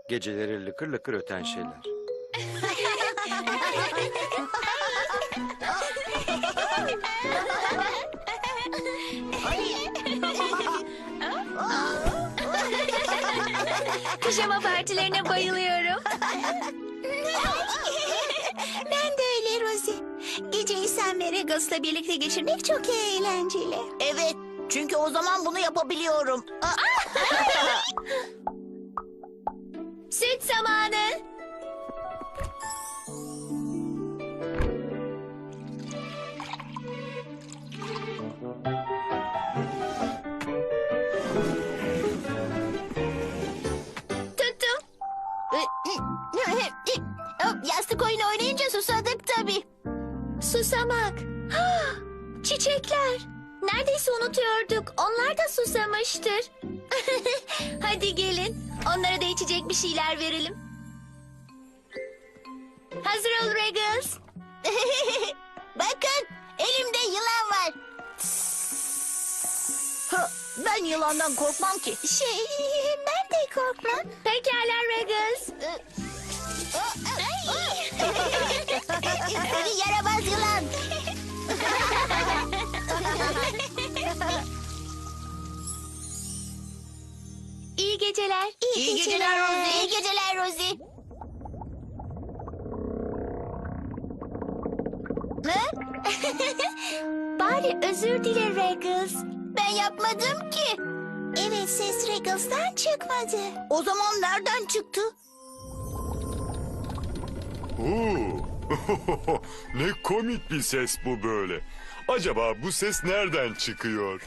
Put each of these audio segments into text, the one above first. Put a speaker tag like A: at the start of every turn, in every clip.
A: Geceleri lıkır lıkır öten şeyler.
B: Pijama partilerine bayılıyorum.
C: Ben de öyle Rosie. Geceyi sen ve Regals'la birlikte geçirmek çok eğlenceli.
D: Evet, çünkü o zaman bunu yapabiliyorum.
B: Süt zamanı. Tuttum.
D: Yastık oyunu oynayınca susadık tabii.
B: Susamak. Ah, çiçekler. Neredeyse unutuyorduk. Onlar da susamıştır. Hadi gelin. Onlara da içecek bir şeyler verelim. Hazır ol Regals.
D: Bakın, elimde yılan var. Ben yılandan korkmam ki.
C: Ben de korkmam.
B: Pekala Regals.
D: Seni yaramaz yılan.
B: İyi geceler.
D: İyi geceler Rosie. İyi geceler Rosie.
B: Bari özür dile Regals.
D: Ben yapmadım ki.
C: Evet, ses Regals'tan çıkmadı.
D: O zaman nereden çıktı?
E: Oo. Ne komik bir ses bu böyle. Acaba bu ses nereden çıkıyor?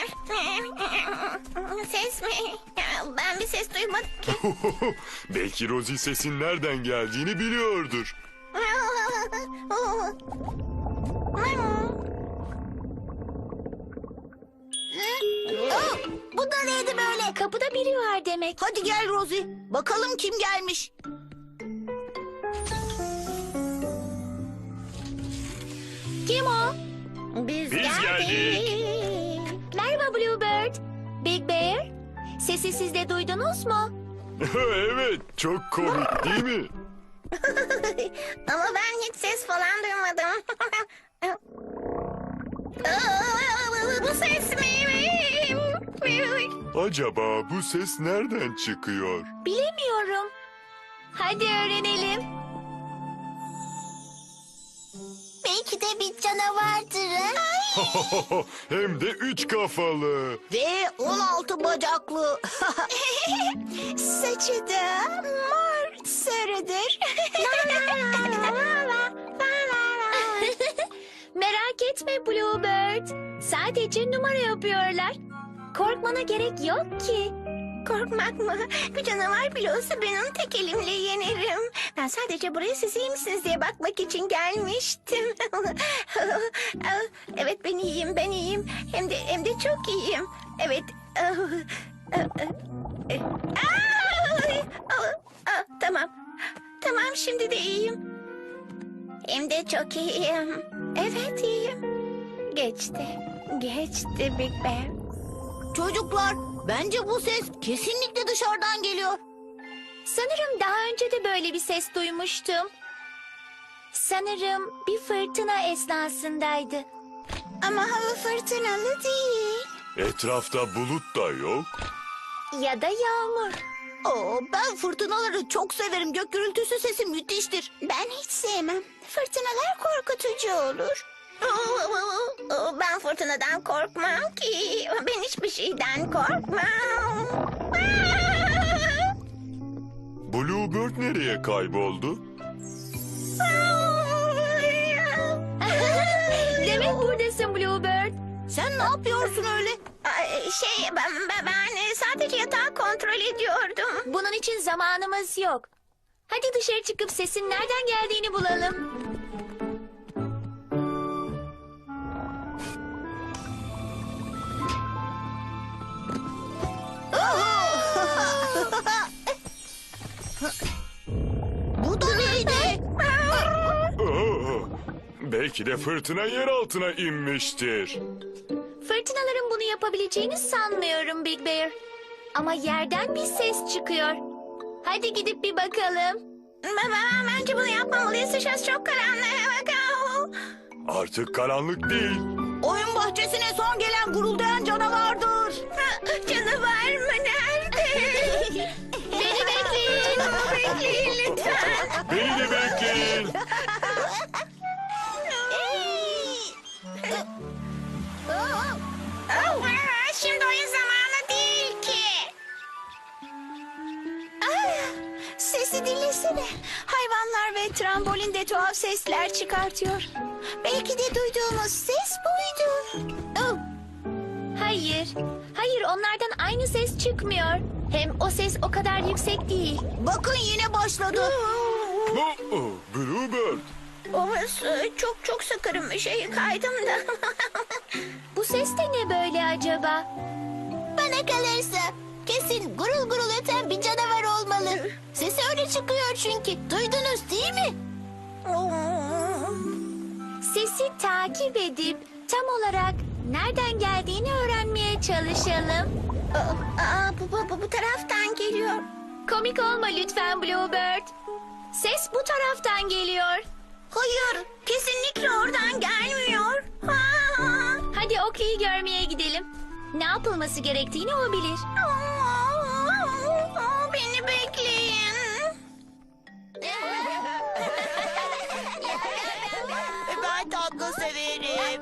C: Ses mi? Ben bir ses duymadım ki.
E: Belki Rosie sesin nereden geldiğini biliyordur.
D: Bu da neydi böyle?
B: Kapıda biri var demek.
D: Hadi gel Rosie. Bakalım kim gelmiş.
B: Kim o?
D: Biz
E: geldik.
B: Merhaba Bluebird. Big Bear. Sesi siz de duydunuz mu?
E: Evet, çok komik değil mi?
C: Ama ben hiç ses falan duymadım. Bu ses mi?
E: Acaba bu ses nereden çıkıyor?
B: Bilemiyorum. Hadi öğrenelim.
D: Belki de bir canavardır.
E: Hem de 3 kafalı.
D: Ve 16 bacaklı.
C: Saçı da mor sarıdır.
B: Merak etme Bluebird. Sadece numara yapıyorlar. Korkmana gerek yok ki.
C: Korkmak mı? Bir canavar bile olsa ben onu tek elimle yenerim. Ben sadece buraya siz iyi misiniz diye bakmak için gelmiştim. Evet, ben iyiyim, ben iyiyim. Hem de çok iyiyim. Evet. Tamam. Tamam, şimdi de iyiyim. Hem de çok iyiyim. Evet, iyiyim. Geçti. Geçti Big Bear.
D: Çocuklar, bence bu ses kesinlikle dışarıdan geliyor.
B: Sanırım daha önce de böyle bir ses duymuştum. Sanırım bir fırtına esnasındaydı.
C: Ama hava fırtınalı değil.
E: Etrafta bulut da yok.
B: Ya da yağmur.
D: Ben fırtınaları çok severim. Gök gürültüsü sesi müthiştir.
C: Ben hiç sevmem. Fırtınalar korkutucu olur. Ben fırtınadan korkmam ki. Ben hiçbir şeyden korkmam.
E: Bluebird nereye kayboldu?
B: Demek buradasın Bluebird.
D: Sen ne yapıyorsun öyle?
C: Ben sadece yatağı kontrol ediyordum.
B: Bunun için zamanımız yok. Hadi dışarı çıkıp sesin nereden geldiğini bulalım.
D: Bu da neydi?
E: Belki de fırtına yer altına inmiştir.
B: Fırtınaların bunu yapabileceğini sanmıyorum Big Bear. Ama yerden bir ses çıkıyor. Hadi gidip bir bakalım.
C: Bence bunu yapmamalıyız. Dışarısı çok karanlık.
E: Artık karanlık değil.
D: Oyun bahçesine son gelen guruldayan canavardır.
C: Canavar mı? Nerede?
B: Beni bekleyin.
C: Bekleyin lütfen.
E: Beni de bekleyin.
C: Şimdi oyun zamanı değil ki. Sesi dinlesene. Hayvanlar ve trambolin de tuhaf sesler çıkartıyor. Belki de duyduğumuz ses buydu. Oh,
B: Hayır. Hayır, onlardan aynı ses çıkmıyor. Hem o ses o kadar yüksek değil.
D: Bakın yine başladı.
E: Bluebird.
C: Orası çok sakarım bir şey kaydım da.
B: Bu ses de ne böyle acaba?
D: Bana kalırsa kesin gurul gurul öten bir canavar olmalı. Sesi öyle çıkıyor çünkü. Duydunuz değil mi?
B: Sesi takip edip tam olarak nereden geldiğini öğrenmeye çalışalım.
C: Bu taraftan geliyor.
B: Komik olma lütfen Bluebird. Ses bu taraftan geliyor.
C: Hayır, kesinlikle oradan gelmiyor.
B: Hadi Oakley'i görmeye gidelim. Ne yapılması gerektiğini o bilir.
C: Beni bekleyin.
D: Ben tatlı severim.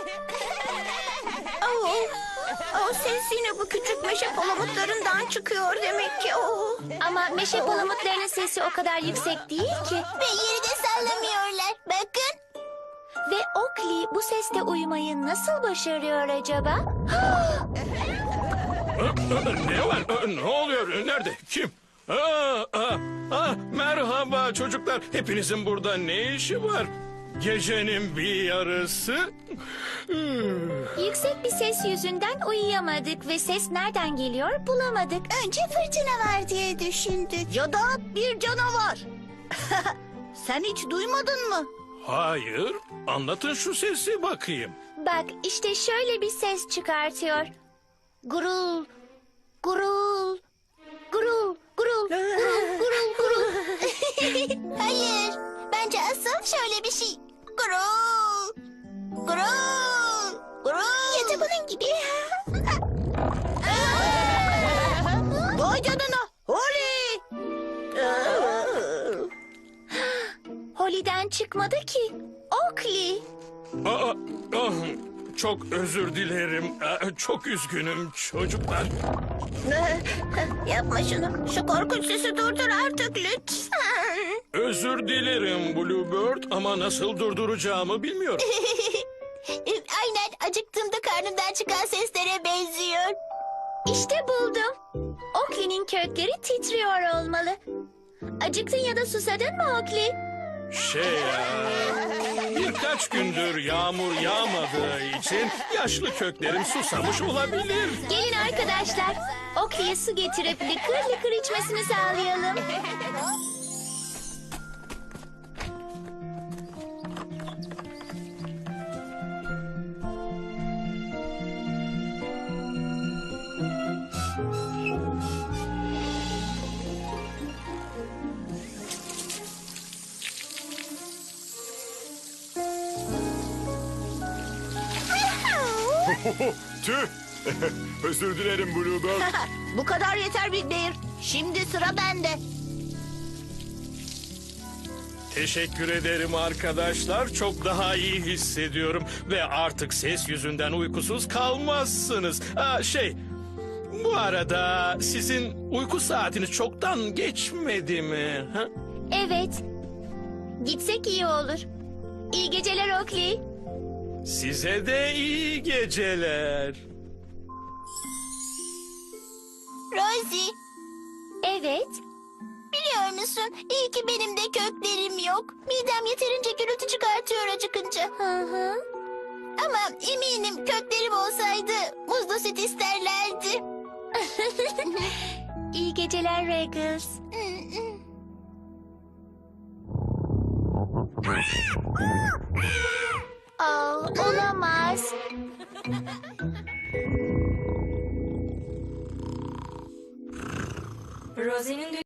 C: O ses yine bu küçük meşe palamutlarından çıkıyor demek ki.
B: Ama meşe palamutlarının sesi o kadar yüksek değil ki.
D: Ve yeri de sallamıyorlar. Bakın.
B: Ve Oakley bu sesle uyumayı nasıl başarıyor acaba?
F: Ne var? Ne oluyor? Nerede? Kim? Merhaba çocuklar. Hepinizin burada ne işi var? Gecenin bir yarısı.
B: Yüksek bir ses yüzünden uyuyamadık ve ses nereden geliyor bulamadık.
C: Önce fırtına var diye düşündük.
D: Ya da bir canavar. Sen hiç duymadın mı?
F: Hayır. Anlatın şu sesi bakayım.
B: Bak işte şöyle bir ses çıkartıyor. Gurul, gurul, gurul, gurul, gurul, gurul, gurul.
D: Hayır. Bence asıl şöyle bir şey. Gurul. Gurul. Gurul.
C: Ya da bunun gibi.
D: Vay canına. Holly.
B: Holly'den çıkmadı ki. Oakley.
F: Çok özür dilerim. Çok üzgünüm çocuklar.
C: Yapma şunu. Şu korkunç sesi durdur artık lütfen.
F: Özür dilerim Bluebird ama nasıl durduracağımı bilmiyorum.
D: Aynen acıktığımda karnımdan çıkan seslere benziyor.
B: İşte buldum. Oakley'nin kökleri titriyor olmalı. Acıktın ya da susadın mı Oakley?
F: Birkaç gündür yağmur yağmadığı için yaşlı köklerim susamış olabilir.
B: Gelin arkadaşlar. Oakley'e su getirip lıkır lıkır içmesini sağlayalım.
E: Tüh. Özür dilerim Bluebird.
D: Bu kadar yeter Big Bear. Şimdi sıra bende.
F: Teşekkür ederim arkadaşlar. Çok daha iyi hissediyorum. Ve artık ses yüzünden uykusuz kalmazsınız. Bu arada sizin uyku saatiniz çoktan geçmedi mi? Ha?
B: Evet. Gitsek iyi olur. İyi geceler Oakley.
F: Size de iyi geceler.
D: Rosie,
B: Evet.
D: biliyor musun? İyi ki benim de köklerim yok. Midem yeterince gürültü çıkartıyor acıkınca.
B: Hı hı.
D: Ama eminim köklerim olsaydı muzlu süt isterlerdi.
B: İyi geceler Regis. Olamaz.
G: Rosie'nin